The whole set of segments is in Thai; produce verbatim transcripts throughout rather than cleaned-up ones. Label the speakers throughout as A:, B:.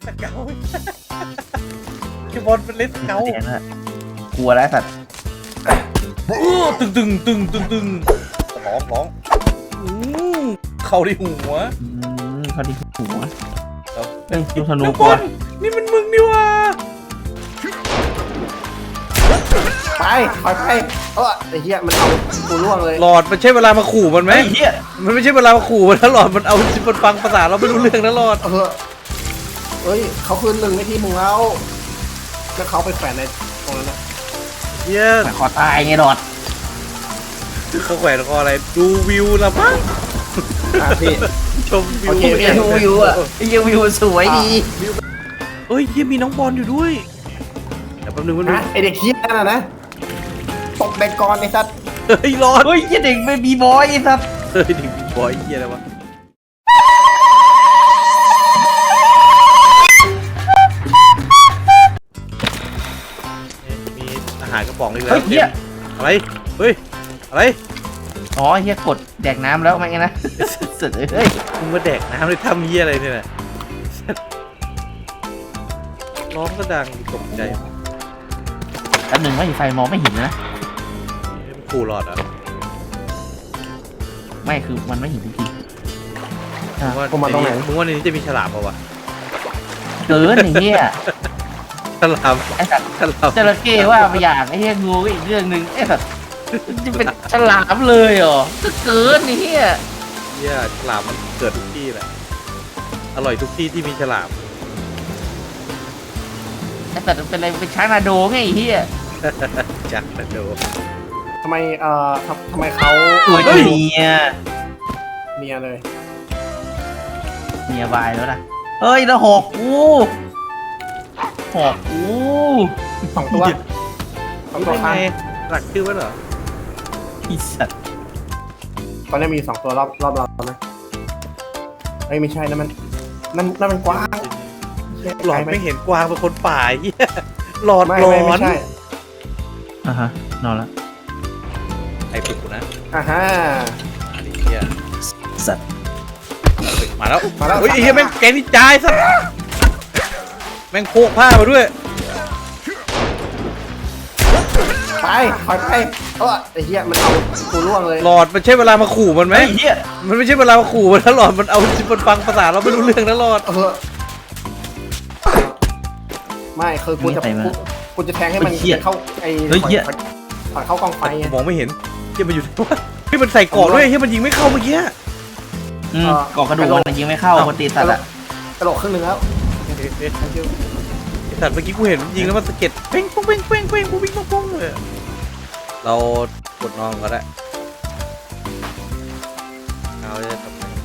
A: สเกลคิวบอลเป็นเล่นสเกล
B: กลัวแล้วสัตว์
A: ตึงตึงตึงตึงตึงร้องร้องเข้าที่หัว
B: เข้าที่หัวเอ้ยลูกธนู
A: กบอลนี่มันมึงนี่วะ
C: ไปไปไปเออไอ้เหี้ยมันเอากูล่วงเลย
A: หลอดมันใช่เวลามาขู่มันไหม
B: ไอ้เหี้ย
A: มันไม่ใช่เวลามาขู่มันแล้วหลอดมันเอามันฟังภาษาเราไม่รู้เรื่องนะหลอด
C: เออเฮ้ยเขาคืนหนึ่งในทีมึงแล้วแล้วเขาไปแฝงในตรงนั้นนะ
A: เยี่ยม
B: ขอตายไงหลอด
A: เขาแขวนคออะไรดูวิวละมั้ง
C: พี่
A: ชมวิว
B: ดูวิวอ่ะวิววิวสวยดี
A: เฮ้ยยังมีน้องบอลอยู่ด้วยเดี๋ยวแป๊บนึงแป๊บนึง
C: ไอเด็กเหี้ยนั่นนะตกเด็กก่อนไอ้สัตว์
A: เฮ้ยรอด
B: เฮ้ยเด็กไม่บีบอยไอ้สัตว์
A: เฮ้ยเด็กบีบอยเหี้ยอะไรวะมีอาหารกระป๋องอีกแล้ว
B: เฮ้ยเหี้ย
A: อะไรเฮ้ยอะไร
B: อ๋อเฮียกดแดกน้ำแล้วไม่ไงนะสุดเลยเฮ้ย
A: มึงมาแดกน้ำเลยทำเหี้ยอะไรเนี่ยร้องก็ดังตกใจ
B: อันหนึ่งไม่ไฟมองไม่เห็นนะ
A: มันขู่หลอดอ่ะ
B: ไม่คือมันไม่เห็นจริง
A: ๆว่าผมมาตรงไหนมึงว่าในนี้จะมีฉลามป่าวะ
B: เกินอย่างเงี้ย
A: ฉลาม
B: ไอ้สัตว์
A: ฉลาม
B: จระเข้ว่าไปอย่างไอ้เหี้ยงูก็อีกเรื่องหนึ่งไอ้สัตว์จะเป็นฉลามเลยเหรอก็เกินนี่เหี้ย
A: เหี้ยฉลามมันเกิดทุกที่แหละอร่อยทุกที่ที่มีฉลาม
B: ไอ้สัตว์เป็นอะไรเป็นช้างนาโดไงไอ้เหี้ย
A: จักนาโด
C: ทำไมเอ่อทำไมเขา
B: ตัวเมีย
C: เมียเลย
B: เมียบายแล้วนะเฮ้ยแล้วหอกกูหอกกู
C: สองตัวสองตัวข้าง
A: หลักชื่อว่าเหรอ
B: อีสัตว์
C: ตอนนี้มีสองตัวรอบรอบเราไหมเอ้ยไม่ใช่นะมันนั่นนั่นมันกว้าง
A: หลอดไม่เห็นกวางเป็นคนป่าเหี้ยหลอดหลอน
B: อ่ะฮะนอนแล้ว
A: ไอ้ปุ๊กนะ
C: อ่าฮะ
A: อันนี้เหี้ย
B: สัตว์
A: มาแล้วมาแล้วเฮ้ยเหี้ยแม่งแกนี่จ่ายสัตว์แม่งโคกผ้ามาด้วย
C: ไปถอยไปเออไอ้เหี้ยมันเอากูล่วงเลย
A: หลอดมันใช่เวลามาขู่มันไหมเหี้ยมันไม่ใช่เวลามาขู่มันแล้วหลอดมันเอามันฟังภาษาเราไม่รู้เรื่องนะหลอด
C: เออไม่คือกูจะกูจะแทงให้มันเข้าไอ้ถอยเข้ากองไฟ
A: มองไม่เห็นเหี้ยมันอยู่ที่ว่าที่มันใส่เกาะด้วยเหี้ยมันยิงไม่เข้าเมื่อกี้
B: อืมเกาะกระดูกมันยิงไม่เข้าคนตีสัตว์อะ
C: กระโดดครึ่งหนึ่งแล้ว
A: สัตว์เมื่อกี้กูเห็นยิงแล้วมันสะเก็ดเป้งปุ้งเป้งเป้งเป้งปุ้งปิ้งปุ้งปุ้งเลยเรากดนอนก็ได้เอาเลย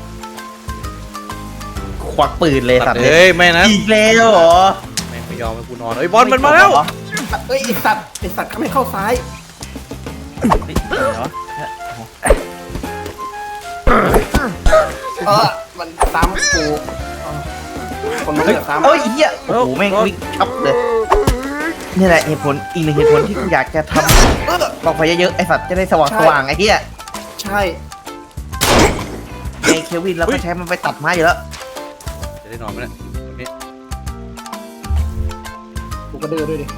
B: ควักปืนเลยสัตว์
A: เฮ้ยไม่นะ
B: อีกแล้วเหรอ
A: ไม่ไม่ยอมให้กูนอนเอ้ยบอลมันมาแล้ว
C: เอ้ยไอสัตว์ไอสัตว์เขาไม่เข้าซ้ายเออมันซ้ำกูคนมันเลือกซ้ำ
B: เอ้ยเหี้ยโอ้โหแม่งวิ่งชับเลยนี่แหละเหตุผลอีกหนึ่งเหตุผลที่กูอยากจะทำกองไฟเยอะๆไอสัตว์จะได้สว่างสว่างไอ้เหี้ย
C: ใช่
B: ไอเควินเราก็ใช้มันไปตัดไม้อยู่แล้ว
A: จะได้นอนไหมเนี่ย
C: กูก็ดื้อด้วยดิ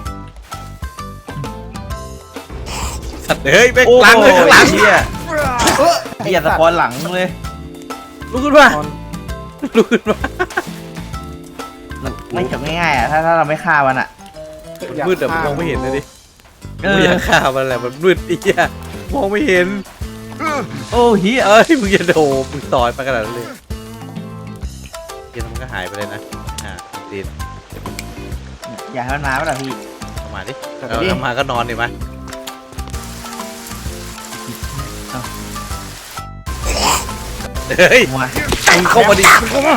A: สัตว์เฮ้ยแม่งหลังเลยข้างหลัง
B: เหี้ยเหี้ยสะพอนหลังเลย
A: ลุกขึ้นมาลุกขึ้นมา
B: ไม่จบง่ายๆอ่ะถ้าถ้าเราไม่ฆ่ามันอ่ะ
A: มืดแต่มองไม่เห็นเลยดิมึงอยากฆ่ามันแหละมันมืดอีกอ่ะมองไม่เห็น
B: โอ้เฮีย
A: เอ้ยมึงอย่าโดดมึงต่อยไปขนาดนั้นเลยเฮียมันก็หายไปเลยนะอ่าดี
B: อย่าให้มันมาป่ะพี่
A: มาดิเราทำมาก็นอนดิมาเฮ้ยมึงเข้ามาดิมึงเข้ามา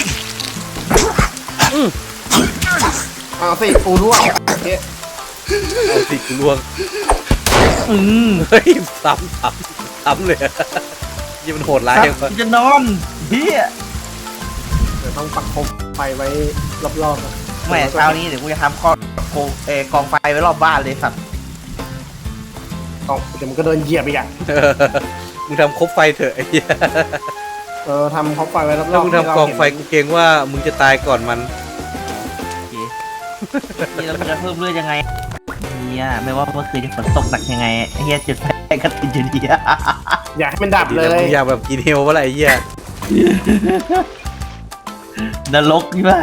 C: เอาสิกูล่วง
A: เอาสิกูล่วง
B: อืม
A: เฮ้ยซ้ำซ้ำซ้ำเลยยังมันโหดร้ายยัง
B: จะนอนเฮีย
C: เดี๋ยวต้องปักคมไฟไว้รอบๆนะ
B: แม่เช้านี้เดี๋ยวกูจะทำกองเอ่อกองไฟไว้รอบบ้านเลยสัตว์
C: กองเดี๋ยวมันก็เดินเหยียบอีกอ่ะ
A: มึงทำคบไฟเถอะไอ้เหี้ย
C: เออทำคบไฟไว้รอบๆ
A: มึงทำกองไฟกูเกรงว่ามึงจะตายก่อนมัน
B: นี่เราจะเพิ่มเลือดยังไงเนี่ยไม่ว่าเมื่อคืนจะฝนตกหนักยังไงไอ้เหี้ยจุดไฟก็ติดอยู่ดีอะ
C: อยากให้มันดับเลย
A: มึงอยากแบบกินเฮลวะไรเหี้ย
B: นรกนี่ไหม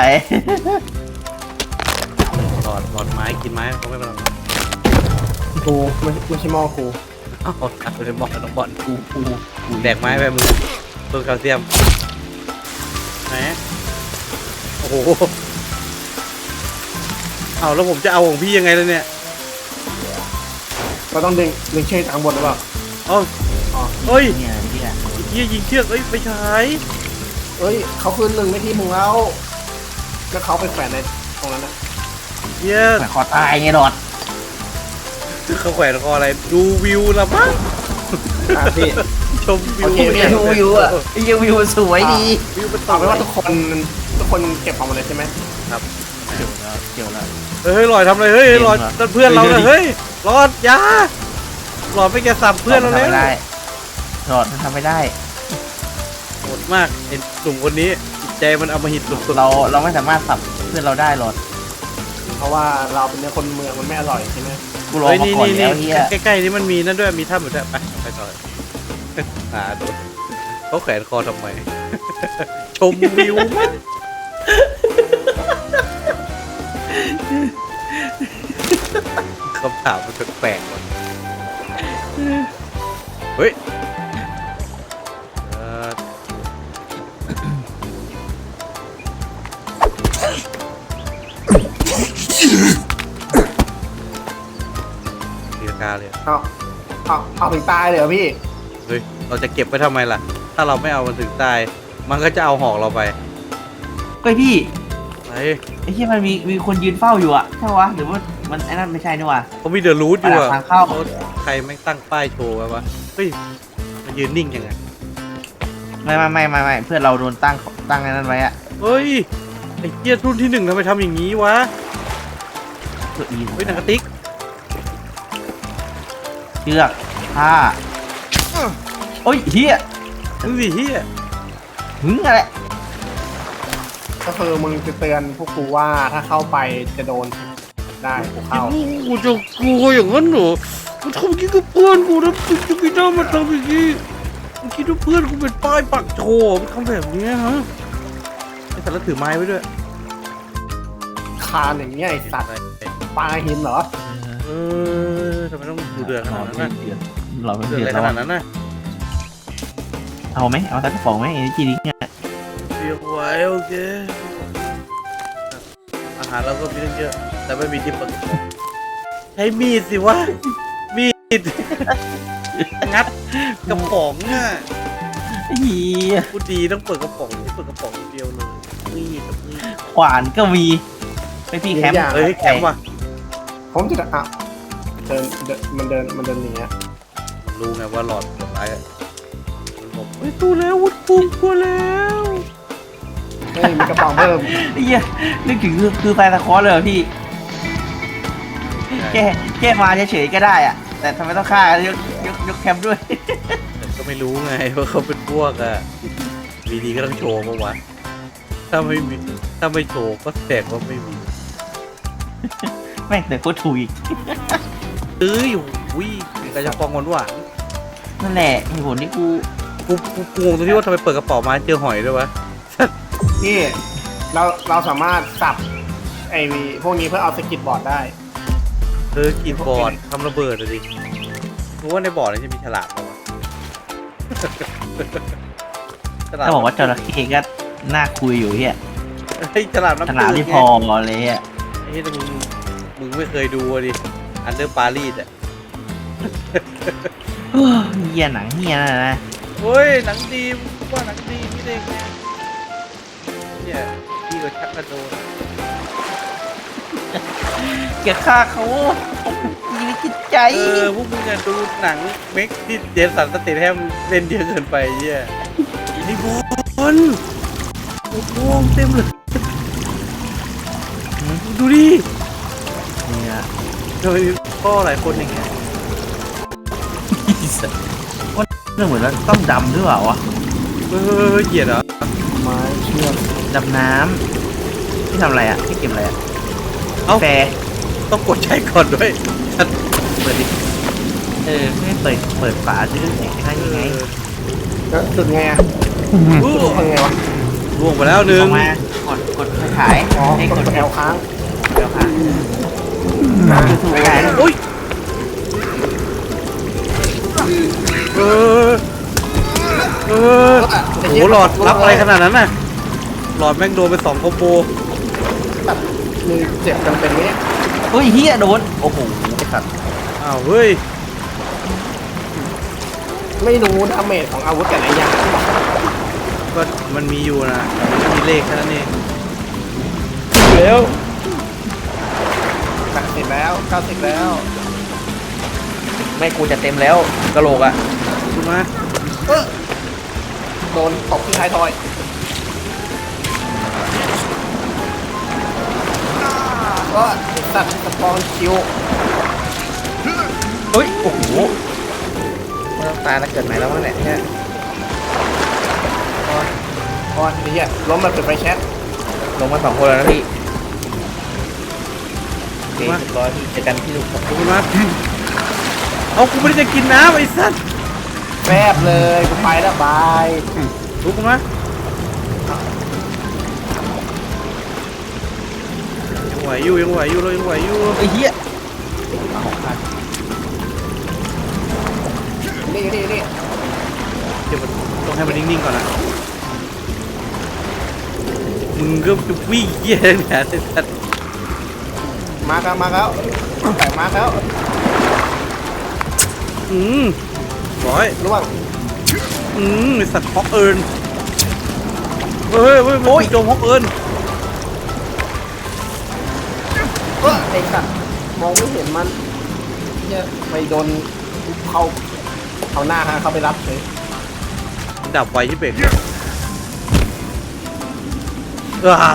A: หลอดหลอดไม้กินไม้เขาไม่เป็นไร
C: กูไม่ไม่ใช่หม้อกู
A: อ้าวตัดไปเลยบอลน้องบอล
B: กูกูกู
A: แดกไม้ไปมึงเพิ่มแคลเซียมไหนโอ้โหเอาแล้วผมจะเอาของพี่ยังไงเลยเนี่ย
C: เราต้องดึงดึงเชือกจากข้างบนหรือเปล่า
A: เอ้า
C: อ๋อ
A: เฮ้ย
B: เนี่ยเนี่ย
A: เฮียยิงเชือกเอ้ยไม่ใช่
C: เอ้ยเขาคืนหนึ่งไม่ที่มึงแล้วแล้วเขาไปแขวนในตรงนั้นนะ
A: เฮีย
B: แขวนคอตายไงดอด
A: เขาแขวนคออะไรดูวิวละมั้ง
C: อ่ะพี่
A: ชมวิว
C: โอเคพี่
B: ดูวิวอ่ะไอ้เหี้ยวิวสวยดี
A: วิวเป็น
C: เอาเป็นว่าทุกคนทุกคนเก็บของหมดเลยใช่ไหม
A: ครับ
B: เกี่ยวแล้วเกี่ยวแล้ว
A: เฮ้ยหลอดทำอะไรเฮ้ยหลอด
B: เก่งว่ะ
A: นั่นเพื่อนเรา
B: เฮ้
A: เนี่ย
B: ย
A: เฮ้ยหลอดอยาหลอดไปแกสับเพื่อนเรา
B: ทำ
A: แล้ว
B: ไม่ได้ดอดมันทำไม่ได้
A: โหดมากไอ้หนุ่มคนนี้จิตใจมันเอามาหิดสุดๆ
B: เราเราไม่สามารถสับเพื่อนเราได้หรอก
C: เพราะว่าเราเป็นเนื้อคนเมืองมันไม่อร่อยใช่ไหม
B: กูรอ
A: เฮ้ย
B: มา
A: นี่
B: ก่อน
A: นี่
B: แล้ว
A: นี่
B: เฮีย
A: ใกล้ๆนี่มันมีนั่นด้วยมีถ้ำอยู่ด้วยไปไปต่อหาดูเขาแขวนคอทำไม ชมวิวมั้งคำถามมันแปลกๆว่ะเฮ้ยเอ่อตีลังกาเลย
C: เอาเอาเอาถึงตายเลยเหรอพี่
A: เฮ้ย เราจะเก็บไว้ทำไมล่ะ ถ้าเราไม่เอามันถึงตาย มันก็จะเอาหอกเราไป
B: เฮ้ยพี่
A: ไป
B: ไอ้ที่มันมีมีคนยืนเฝ้าอยู่อะใช่ปะวะหรือว่ามันไอ้นั่นไม่ใช่นี่วะ
A: เขามีเดอะรูทอยู่อะ
B: ทางเข้า
A: ใครแม่งตั้งป้ายโชว์ไว้วะ เฮ้ย มันยืนนิ่งยังไง
B: ไม่ไม่ไม่ไม่ไม่เพื่อนเราโดนตั้งตั้งไอ้นั่นไว้อะ
A: เฮ้ย ไอ้เกียร์รุ่นที่หนึ่งทำไมทำอย่างนี้วะ
B: ตัวอี
A: เฮ้ยหนังกระติก
B: เชือกผ้าโอ้ยเฮีย
A: มึงสิเฮีย
B: หึงอะไร
C: ก็คือมึงจะเตือนพวกกูว่าถ้าเข้าไปจะโดนได้กูเข้า
A: กูจะกลัวอย่างนั้นเหรอมันทำอย่างนี้กับเพื่อนกูนะมึงจะไม่ได้มาทำอย่างนี้มึงคิดว่าเพื่อนกูเป็นป้ายปักโชว์มันทำแบบนี้ฮะไอ้สารถือไม้ไว้ด้วย
C: คานอย่างเงี้ยไอสัตว์ปลาหินเหรอ
A: เออทำไมต้องดูเดือดขนาดนั้นนะ
B: เดือดเราเป็น
A: เดือด
B: เดือ
A: อะ
B: ด
A: ไรข
B: แล้ว
A: นาดนั้นนะ
B: เอาไหมเอาสักกระป๋องไหมไอ้จีดิเนี่ย
A: เรียกไว้โอเคอาหารเราก็มีตั้งเยอะแต่ไม่มีที่เปิดใช้มีดสิวะมีด งัดกระป๋องอ่ะ
B: เฮีย
A: กูดีต้องเปิดกระป๋องที่เปิดกระป๋องเดียวเลยมีดกับมีด
B: ขวานก็มีไปพี่แคมป์
A: เฮ้ยแคมป์ว่ะ
C: ผมจะอ่ะเดินเดินมันเดินมันเดินอย่างเงี้ย
A: มันรู้ไงว่าหลอดหลอดร้ายอะมันบอกเฮ้ยตู้แล้ววุ้นปุ่มกลัวแล้ว
C: เฮ้ยมีกระป๋องเพิ่ม
B: ไอ้เฮียนึกถึงคือคือไฟตะคอร์เลยเหรอพี่แค่แค่มาเฉยๆก็ได้อะแต่ทำไมต้องฆ่ายกยกยกแคมป์ด้วย
A: แต่ก็ไม่รู้ไงว่าเขาเป็นพวกอ่ะวีดีก็ต้องโชว์ปะวะถ้าไม่มีถ้าไม่โชว์ก็แสดงว่าไม่มี
B: แม่งแต่โคตรถูกอีก
A: เอ้ยอุ้ยกระจะปองหวานหวาน
B: นั่นแหละเหตุผลที่กู
A: กูกูกูงงตรงที่ว่าทำไมเปิดกระเป๋ามาเจอหอยด้วยวะ
C: นี่เราเราสามารถสับไอ้พวกนี้เพื่อเอาสกิดบอร์ดได้
A: เออกีบบอร์ดทำระเบิดอะดิรู้ว่าในบอร์ดนี่จะมีฉลามปะวะ ฉลาม
B: ถ้าบอกว่าจระเข้ก็น่าคุยอยู่เฮีย
A: ไอ้ยฉลามน้ำ
B: ขนาด
A: จื
B: ที่
A: ไง
B: พอเลยอ่ะ
A: ไอ้ที่มึงมึงไม่เคยดูอะดิอันเดอร์ปารีสอ่ะ
B: เฮียหนังเฮียนั่นนะ
A: เฮ้ยหนังดีว่าหนังดีพี่เด็กไงเนี่ยพี่ก็ชักกระโดด
B: เกลียดฆ่าเขาชีวิตจิตใจ
A: เออพวกมึงอะดูหนังเม็กที่เจสันสเตทแฮมเล่นเยอะเกินไปเยี่ยไอ้บอลโอ้โหเต็มเลยดูดิ
B: เนี่ย
A: ทำไมมีพ่อหลายคนอย่างเงี้ย
B: ว่าเรื่องเหมือนว่าต้องดำหรือเปล่าวะ
A: เออเหยียดเหรอ
C: ไม้เชือก
B: ดำน้ำที่ทำอะไรอ่ะที่เก็บอะไรอ่ะ
A: เอ้า
B: แฟร์
A: ต้องกดใช้ก่อนด้วยเปิดดิ
B: เออไม่เปิดเปิดฝาซื้อแข่งได้ยังไง
C: แล้วจุดไงอ่ะ
A: อู้
C: จุดยังไงวะ
A: ล่วงไปแล้วหนึ่
B: อง อกมากดกดไฟฉาย
C: อ๋อ
B: ให้
C: ก
B: ก
C: ด
B: ด
C: แอลค้าง
B: เดี๋ยวค่ะคือถูกไฟฉาย
A: อุ้ยเออเออโอ้โหหลอดรับอะไรขนาดนั้นน่ะหลอดแม่งโดนไปสองคอมโบ
C: แบบมีเจ็บกันเป็นไหมเนี่ย
B: เฮ้ยเฮียโดนโอ้โหไอ้สัตว์
A: อ้าวเฮ้ย
C: ไม่รู้ดาเมจของอาวุธแต่ละอย่าง
A: ก็มันมีอยู่นะมันไม่มีเลขแค่นั้นเองถึงแล้ว
C: แปดสิบแล้วเก้าสิบแล้ว
B: ไม่กูจะเต็มแล้วกระโหลกอ่ะ
A: ขึ้นมา
C: เออโดนตบที่ท้ายทอยก็ตัดสปอนคิว
B: เฮ้ยโอ้โหไม่ต้องตายแล้วเกิดใหม่แล้วมั้งเนี่ยเนี่ย
C: พอทีนี้ล้มมาเป็นไฟแชท
B: ลงมาสองคนแล้วนะพี่โอเคเรียบร้อยพี่เจอกันที่ลูกครับ
A: ขึ้นมาเอากูไม่ได้จะกินน้ำไอ้สัตว์
C: แฟบเลยกูไปแล้วบาย
A: ลุกขึ้นมายังไหวอยู่ยังไหวอยู่เรายังไหวอยู่
B: ไอ้เหี้ย
C: นี่นี่นี่
A: เดี๋ยวมันต้องให้มันนิ่งๆก่อนนะมึงก็จะวิ่งเยี่ยเนี่ยไอ้สัตว์
C: มาแล้วมาแล้วแต่มาแล้ว
A: อืมร้อย
C: ล่วง
A: อืมไอ้สัตว์ฮอกเอิร์นเฮ้ยเฮ้ยโอ้ยโจมฮอกเอิร์น
C: เออไอ้สัตว์มองไม่เห็นมันเนี่ยไปโดนเขาเอาหน้าฮะเขาไปรับเลย
A: ดับไวที่เบรกว้า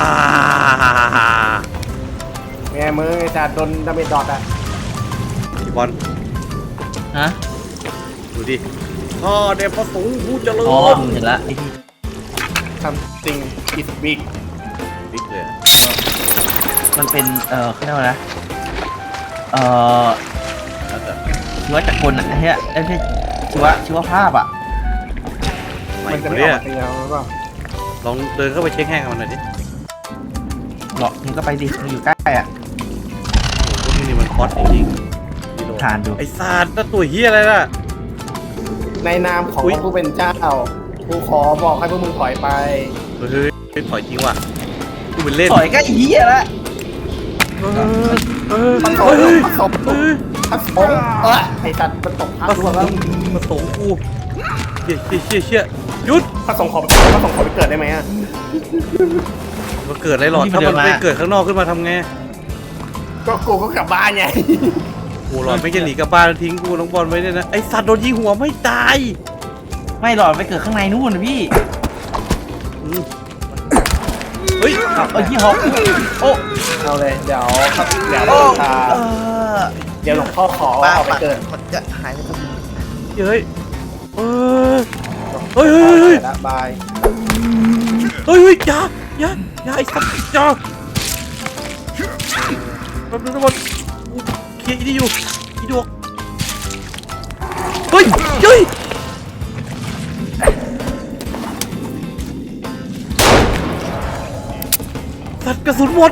C: แง่มือไอ้จัดโดนดาเมจดอทอ่ะ
A: พี่บอล
B: ฮะ
A: ดูดิข้าเดชพระสงฆ์ผู้เจริญ
B: อ๋อเห็นละไอ้ที่
C: ทำจริงอิสบิก
A: บิ๊กเลยอะ
B: มันเป็นเอ่อเขาเรียกว่าอะไรนะเอ่อ
A: แล้วแต่
B: ชีวจักรกลอ่ะไอ้เหี้ยไอ้ที่ชีวะชีวภาพอ่ะ
A: ไม่
C: มันจะ
A: กู
C: ไม่อ
A: เนี่
C: อย กมาตีเราหรือเปล่า
A: ลองเดินเข้าไปเช็คแห้งกับมันหน่อยดิ
B: หรอกมึงก็ไปดิมึงอยู่ใกล้อ่ะ
A: โอ้โหพวกนี้นี่มันคอสจริงๆพี่โด
B: ทานดู
A: ไอ้สัตว์นั่นตัวเฮียอะไรล่ะ
C: ในนามของ
A: อุ๊ย
C: ผู้เป็นเจ้ากูขอบอกให้พวกมึงถอยไป
A: เฮ้ยเฮ้ยถอยจริงว่ะกูเป็นเล่น
B: ต่อยก็ไอ้เหี้ยละ
A: เออเออ
C: มันต
A: เฮ้
C: ก
A: ย
C: มันตก
A: เฮ้ย
C: พักสงเออไอ้สัตว์มันตกพัก
A: มา
C: ด้
A: ส
C: ว
A: ง
C: งแล้ว
A: มาสงกูเชี่ยเชี่ยเชี่ยเชี่ยหยุด
C: พักสงขอพักสงขอไปเกิดได้ไหมอ่ะ
A: มาเกิดอะไรหรอถ้ามันไปเกิดข้างนอกขึ้นมาทำไง
C: ก็กูก็กลับบ้านไง
A: โอ้หลอดไม่จะหนีกลับบ้านแล้วทิ้งกูน้องบอลไว้เนี่ยนะไอสัตว์โดนยิงหัวไม่ตาย
B: ไม่หลอดไปเกิดข้างในนู่นนะพี่
A: อืมเฮ้ย
B: เอาไอ้ที่ฮอกโอ้
C: เอาเลยเดี๋ยวครับเดี๋ยว
B: โอ้
C: ตา
B: เออ
C: เดี๋ยวหลวงพ่อขอ
B: ป้า
C: เอาไปเกิด
B: มันจะหายไปทั้ง
A: เฮ้ยเออเฮ้ยเฮ้ยเฮ้ย
C: ละบาย
A: เฮ้ยเฮ้ยอย่าอย่าอย่าไอ้สัตว์อย่าแป๊บนึงนะบอลกูเคลียร์อีนี่อยู่อีดวกเฮ้ยเฮ้ยสัตว์กระสุนหมด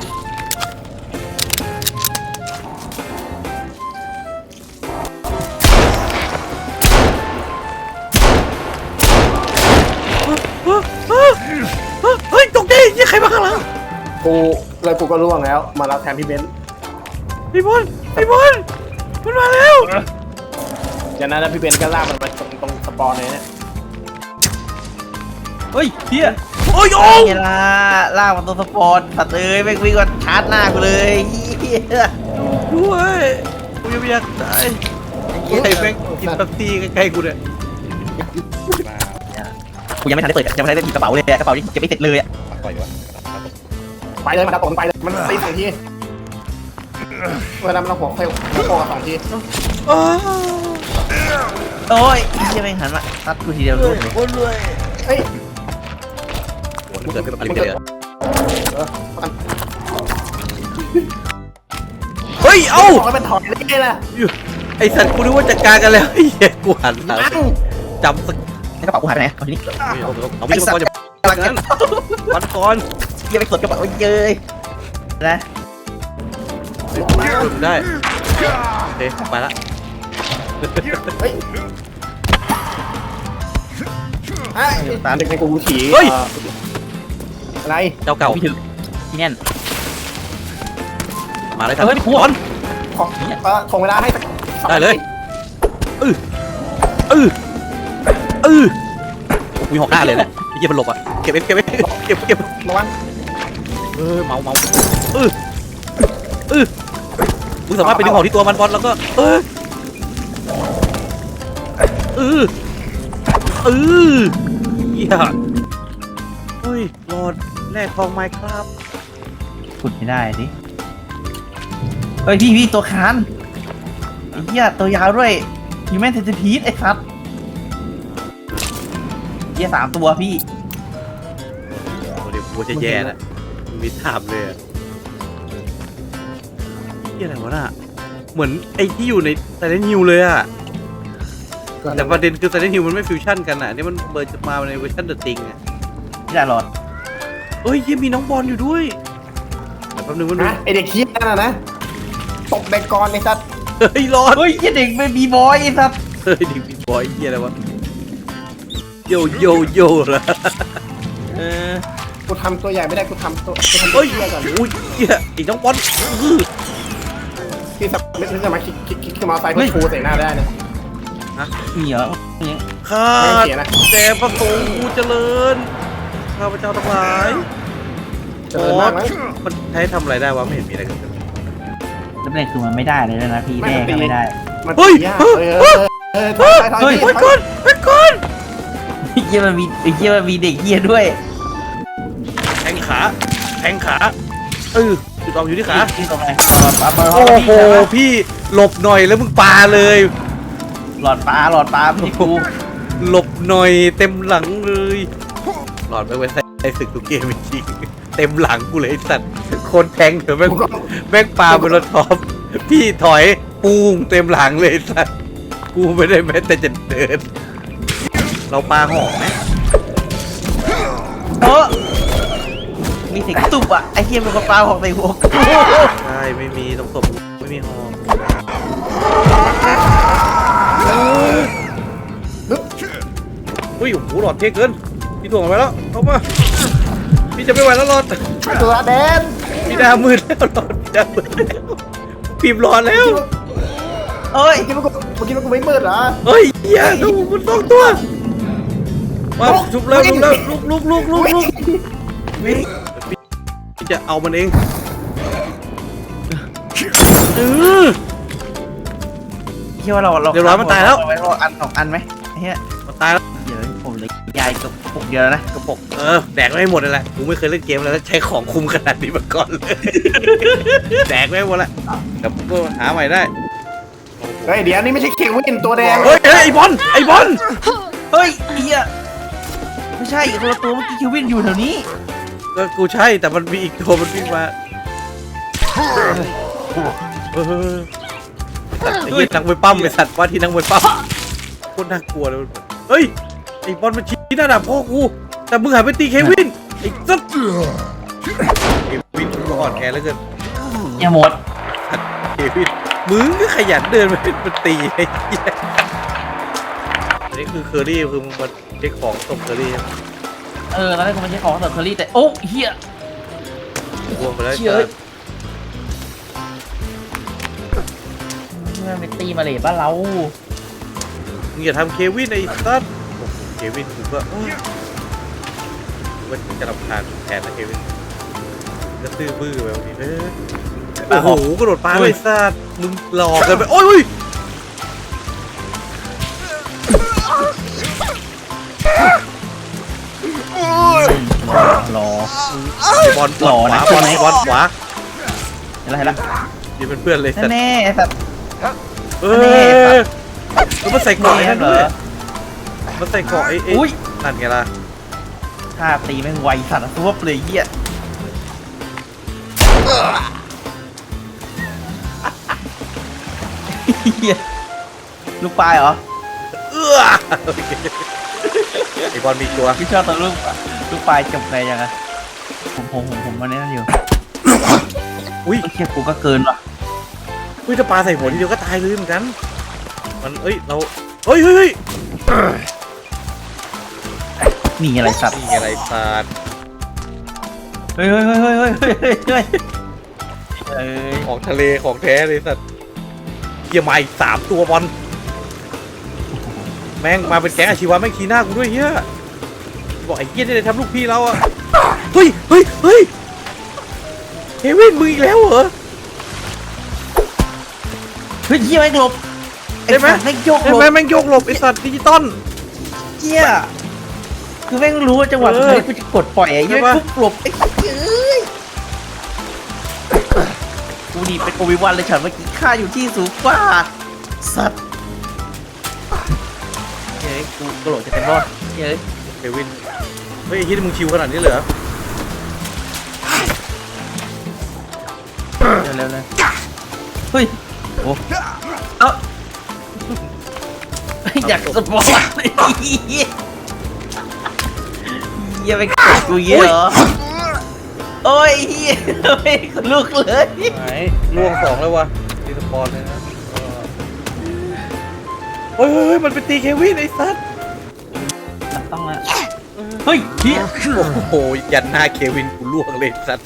A: เฮ้ยเฮ้ยเฮ้ยตกใจยี่ใครมาข้างหลัง
C: กูเลยกูก็ล่วงแล้ว มารับแทนพี่เบนซ์
A: พี่บอลพี่บอลมันมาแล้ว
C: จากนั้นแล้วพี่เบนซ์ก็ลากมันมาตรงตรงสปอนเลยเนี่ย
B: เฮ้ยเฮีย
A: โอ้ยโอ้
B: ไงล่ะลากมาตัวสปอร์ตสัตว์เอ้ยไม่วิ่งก็ชาร์จหน้ากูเลยเฮีย
A: ด้วยกูยังไม่อยากตายใครแม่งกินตับตีใกล้ๆกูเนี่ย
B: กูยังไม่ทันได้เปิดยังไม่ทันได้หยิบกระเป๋าเลยอะกระเป๋านี่จะไม่เสร็จเลยอ่ะ
C: ไปเลยมาดับตกไปเลยมันตีสองทีเวลามันเราหัวเฟลหัวโปกับสองที
A: อ้าว
B: โอ้ยเฮียแม่งหันมาตัดกูทีเดียวรู้เลย
A: คนรวย
C: เฮ้ย
A: โอ้เกิดเป็นอะไรเลย
C: เออ
A: ฮ้ยเอ้า
C: บอกให้มันถอยได้ไงล่ะ
A: ไอสัตว์กูนึกว่าจัดการกันแล้วไอ้เหี้ยกูหันหลัง
C: นั่ง
A: จำสัก
B: ในกระเป๋ากูหายไปไหนเอาทีนี้
A: เอาเอาไม่ใช่ก่อนจะปันกันปันก่อน
B: เยี่ยไปกดกระเป๋าเย้ยนะ
A: ฝึกได้โอเคไปละ
C: เฮ้ยไอ้ตาเด็กในกูขี่
A: เฮ้ย
C: อะไร
A: เจ้าเก่า
B: พี่ถึงที่แน่น
A: มาเลยครับ
B: เฮ้ย
A: ก่อน
C: ขอเออถ่วงเวลาให้สักสอง
A: ได้เลย เออเออเออมีหอกหน้าเลยนะไอ้เหี้ยมันหลบอ่ะเก็บเอฟเก็บเอฟเก็บเก็บ
C: ระวัง
A: เออเมาเมาเออเออมึงสามารถไปดึงของที่ตัวมันบอลแล้วก็เออเออเออเหี้ยเฮ้ยหลอดแรกทองไม้ครับ
B: ขุดไม่ได้ดิเฮ้ยพี่พี่ตัวคานไอ้เหี้ยตัวยาวด้วยฮิวแมนเซนติพีดไอ้สัตว์เหี้ยสามตัวพี่
A: เดี๋ยวกูจะแย่แล้วมีถามเลยอะนี่อะไรวะน่ะเหมือนไอ้ที่อยู่ในไซเลนฮิวเลยอะแต่ประเด็นคือไซเลนฮิวมันไม่ฟิวชั่นกันอะนี่มันเบิร์จะมาในเวอร์ชันเดอะติงอะ
B: พี่ดาหลอด
A: เฮ้ยยังมีน้องบอลอยู่ด้วยแต่แป๊บนึงมัน
C: นะไอเด็กขี้นั่นน่ะนะตบเด็กก่อนไอ้สัตว์
A: เฮ้ยรอด
B: เฮ้ยเหี้ยเด็กเป็นบีบอยไอ้สัตว์
A: เฮ้ยดิบิ๊กบอยเฮียอะไรวะโยโยโยละ
B: เออ
C: กูทำตัวใหญ่ไม่ได้กูทำตัวกูทำตั
A: เฮ้
C: วย เตี้ยก่อน
A: โอ้ยเฮียอีกน้องบอลอื้อ
C: ที่สับไม่ถึงจะมาคิกคิกคิกขึ้นมาไซค์เพื่อชูใส่หน้าได้นะ
B: มีเหรอเนี่ย
A: ข้า
C: ไม่เสียนะ
A: แต่พระสงฆ์กูเจริญข้าพเจ้าทั้งหลาย
C: เจริญมากมั้ง
A: มันใช้ทำอะไรได้วะไม่เห็นมีอะไรเกันเลย
B: แล้วประเด็นคือมันไม่ได้เลยนะพี่แม่ก็ไม่ได้
C: มัน
A: เฮ้ย
C: ยาก
A: เฮ้ย
C: เออเออเออถอยถอยถอย
A: ไป
C: ถอย
A: ก่อนไปก่อน
B: ไอ้เหี้ยมันมีไอ้เหี้ยมันมีเด็กเหี้ยด้วย
A: แทงขาแทงขาเออจุดออกอยู่ที่ขา
B: ที่ตรงไหนหลอดปลาปลา
A: โอ้โหพี่หลบหน่อยแล้วมึงปาเลย
B: หลอดปลาหลอดปลาพี่กู
A: หลบหน่อยเต็มหลังเลยหลอดไปไว้ใส่ใส่ศึกทุกเกมจริงๆเต็มหลังกูเลยไอ้สัตว์คนแทงเถอะแม่งแม่งปาบนรถท็อปพี่ถอยปูงเต็มหลังเลยไอ้สัตว์กูไม่ได้แม้แต่จะเดิน เราปาหอกไหม
B: เออมีเสียงตุบอ่ะไอ้เหี้ยมันก็ปลาหอกใส่หัวกู
A: ใช่ไม่มีตรงศพไม่มีหอก
C: ฮึบ
A: อุ้ยโอ้โหหลอดเท่เกินพี่ถ่วงไปแล้วเข้ามาพี่จะไม่ไหวแล้วหลอด
C: ตัวแดน
A: พี่ดามืดแล้วหลอดพี่ดามืดแล้วพิมพ์หลอดแล้ว
B: เอ้ย
C: เมื่อกี้มันกูเมื่อกี้มันกูไม่มืดเหรอ
A: เฮ้ยเหี้ยดูมันสองตัวมาชุบแล้วชุบแล้วลุกลุกลุกลุกลุกพี่จะเอามันเองเออ
B: เชื่อว่าเราเรา
A: เดี๋ยวร้อยมันตายแล้ว
B: เอไว้อันสองอันไหมไอ้เหี้ย
A: มันตายแล้ว
B: เดี๋ยวผมเลยยายกับปุกเดียวแล้วนะ
A: กระปกเออแดกไม่ให้หมดเลยแหละกูไม่เคยเล่นเกมแล้วใช้ของคุมขนาดนี้มาก่อนเลยแดกไม่ให้หมดละแต่ก็หาใหม่ได้
C: เฮ้ยเดี๋ยวนี่ไม่ใช่เควินตัวแดง
A: เฮ้ยเฮ้ยไอ้บอลไอ้บอล
B: เฮ้ยไอ้เหี้ยไม่ใช่คนละตัวเมื่อกี้คิววินอยู่แถวนี้
A: ก็กูใช่แต่มันมีอีกตัวมันวิ่งมาเออไอ้เหี้ยนักมวยปั้มไอ้สัตว์ว่าที่นักมวยปั้มโคตรน่ากลัวเลยเฮ้ยไอ้บอลมันชี้หน้าด่าพ่อกูแต่มึงหายไปตีเควินไอ้สัตว์เควินมึงอ่อนแอแล้วเกิน
B: อย่าหมด
A: เควินมึงก็ขยันเดินมาเป็นตีไอ้เหี้ยอันนี้คือเคอรี่คือมึงมาเช็คของตบเคอรี่
B: เออตอนแรกกูไม่ใช่ของแต่เคอรี่แต่โอ้เหี้ย
A: บวมไปแล้ว
B: เชี่ยเอ้ยมันเป็นตีมาเลยบ้านเรา
A: มึงอย่าทำเควินไอ้สัตว์โอ้โหเควินกูก็โอ้ยกูก็จะรำคาญแทนนะเควินก็ตื้อบื้อไปวันนี้เออโอ้โหกระโดดปลาเลยสัตว์มึงหลอกกันไปโอ้ยอุ้ย
B: รอ
A: บอลบอลขวาบอลบอลขวา
B: อะไรละ
A: ยืนเป็นเพื่อนเลยสัตว์
B: แน่ไอ้สัตว์
A: เออแล้วมันใส่เกาะไอ้นั่นด้วยมันใส่เกาะไอ้ไอ้
B: อุ้ย
A: นั่นไงล่ะ
B: ท่าตีแม่งไวสัตว์ตัวเลยเหี้ยเหี้ยลูกปลายเหรอ
A: เอื้อไอ้บอลมีตัว
B: พี่ชอบตอนลูกลูกปลายจบไงยังไงผมผมผมผมมาเล่นอยู่
A: อุ้ย
B: ไอ้เชี่ยกูก็เกินว่ะ
A: อุ้ยถ้าปลาใส่หัวทีเดียวก็ตายเลยเหมือนกันมันเอ้ยเราเฮ้ยเฮ้ยเฮ้ย
B: มีอะไรสัตว์
A: นี่อะไรสัตว์
B: เฮ้ยเฮ้ยเฮ้ยเฮ้ยเฮ้ยเฮ้ยเฮ้ยเฮ้ยเอ้ย
A: ของทะเลของแท้เลยสัตว์เฮียมาอีกสามตัวบอลแม่งมาเป็นแก๊งอาชีวะแม่งขี้หน้ากูด้วยเฮียบอกไอ้เฮียนี่เลยทำลูกพี่เราอะเฮ้ยเฮ้ยเฮ้ยเควินมึงอีกแล้วเหรอ
B: เฮ้ยเหี้ยแม่งหลบ
A: ได้ไหม
B: อ้สัตว์แม่งโยกห
A: เห็
B: ล
A: น
B: บ
A: ไหมแม่งโยกหลบไอสัตว์ดิจิตอล
B: เหี้ยคือแม่งรู้ว่าจังหวะ
A: เออ
B: สุดท้ายกูจะกดปล่อยไอ้เหี้ย
A: ใช่ปะ
B: ปุ๊บหลบไอ้เอ้ยกูดีเป็นโอวิวันเลยฉันเมื่อกี้ค่าอยู่ที่สูงกว่าสัตว์เฮ้ยกูกระโดดจะเต็มรอดเฮ้ย
A: เควินเฮ้ยไอ้เฮียมึงชิวขนาดนี้เลยเหรอ
B: เร็วเร็วเลยเฮ้ยโอ้เอ้าอยากสปอร์ตเหี้ยเหี้ยไปกดกูเยอะเหรอโอ้ยเหี้ยไม่ลุกเลย
A: ไหนล่วงสองแล้ววะตีสปอนเลยนะเฮ้ยเฮ้ยเฮ้ยมันเป็นตีเควินไอ้สัตว์
B: มันต้องละเฮ้ยเหี้ย
A: โอ้โหยันหน้าเควินกูล่วงเลยไอ้สัตว์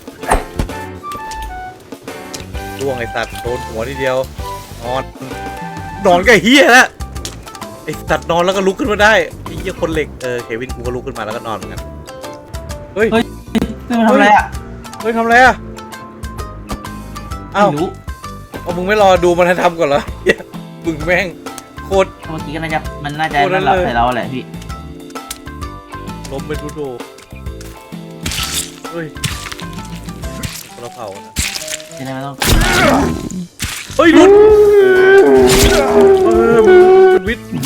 A: ล่วงไอ้สัตว์โดนหัวทีเดียวนอนนอนก็เฮียแล้วไอ้สัตว์นอนแล้วก็ลุกขึ้นมาได้ไอ้เฮียคนเหล็กเออเควินกูก็ลุกขึ้นมาแล้วก็นอนเหมือนกันเฮ้ย
B: นี่มันทำอะไรอ่ะ
A: เฮ้ยทำอะไรอ่ะอ้าว
B: ไม่รู้
A: เอามึงไม่รอดูมันทำก่อนเหรอเหี้ยมึงแม่งโคตร
B: เมื่อกี้ก็น่าจะมันน่าจะ
A: โอ้นั่
B: นั่
A: น
B: นหลับ
A: เลย
B: ใส่เราแหละพี่
A: ล้มเป็นดูดูเฮ้ยเราเผานะ
B: จะได้ไม่ต้อง
A: เฮ้ยหลุดเออมึงเป็นวิทย์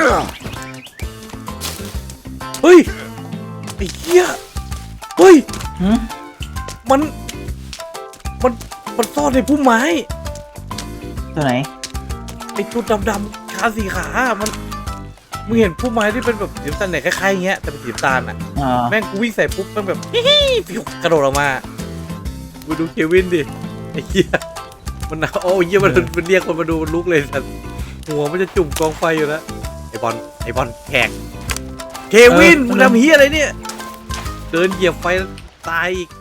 A: เฮ้ยไอ้เหี้ยเฮ้ย
B: หืม
A: มันมันมันซ่อนในพุ่มไม้
B: ตัวไหน
A: ไอ้ตัวดำๆขาสีขามันมึงเห็นพุ่มไม้ที่เป็นแบบสีน้ำตาลเนี่ยคล้ายๆอย่างเงี้ยแต่เป็นสีน้ำตาลอ่ะ
B: อ่า
A: แม่งกูวิ่งใส่ปุ๊บแม่งแบบฮิฮิฟิวกระโดดออกมากูดูเควินดิไอ้เหี้ยมันโอ้ยเหี้ยมันมันเรียกคนมาดูมันลุกเลยสัตว์หัวมันจะจุ่มกองไฟอยู่แล้วไอ้บอลไอ้บอลแขกเควินมึงทำเหี้ยอะไรเนี่ยเดินเหยียบไฟตายอีก